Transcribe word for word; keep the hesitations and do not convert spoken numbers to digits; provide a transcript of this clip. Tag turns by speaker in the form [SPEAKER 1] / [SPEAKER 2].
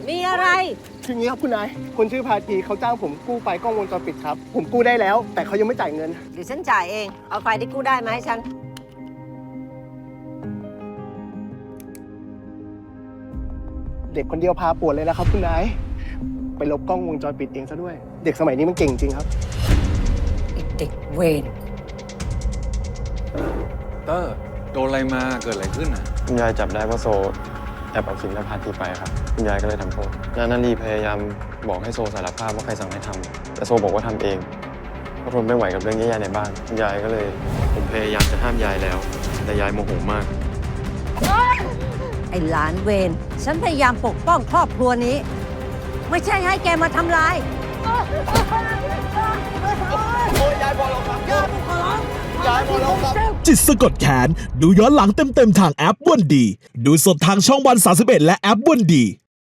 [SPEAKER 1] มีอะไร
[SPEAKER 2] คืออย่างนี้ครับคุณนายคนชื่อพาทีเขาจ้างผมกู้ไฟล์กล้องวงจรปิดครับ ผมกู้ได้แล้ว แต่เขายังไม่จ่ายเงิน
[SPEAKER 1] เดี๋ยวฉันจ่ายเอง เอาไฟที่กู้ได้มาให้ฉัน
[SPEAKER 2] เด็กคนเดียวพาปวดเลยนะครับคุณนายไปลบกล้องวงจรปิดเองซะด้วย เด็กสมัยนี้มันเก่งจริงครับ
[SPEAKER 1] เด็กเวร
[SPEAKER 3] เตอร์โดนอะไรมาเกิดอะไรขึ้นอ่ะ
[SPEAKER 4] คุณยายจับได้ว่าโซแอบเอาขิงและพาทีไปครับคุณยายก็เลยทำโทษนานาลีพยายามบอกให้โซสารภาพว่าใครสั่งให้ทำแต่โซบอกว่าทำเองเพราะทนไม่ไหวกับเรื่องแย่ๆในบ้านคุณยายก็เลยผมพยายามจะห้ามยายแล้ว แต่ยายโมโหมาก
[SPEAKER 1] ไอ้หลานเวร ฉันพยายามปกป้องครอบครัวนี้ ไม่ใช่ให้แกมาทำลาย
[SPEAKER 5] จิตสะกดแขนดูย้อนหลังเต็มๆทางแอปวันดี ดูสดทางช่องวันสามสิบเอ็ดและแอปวันดี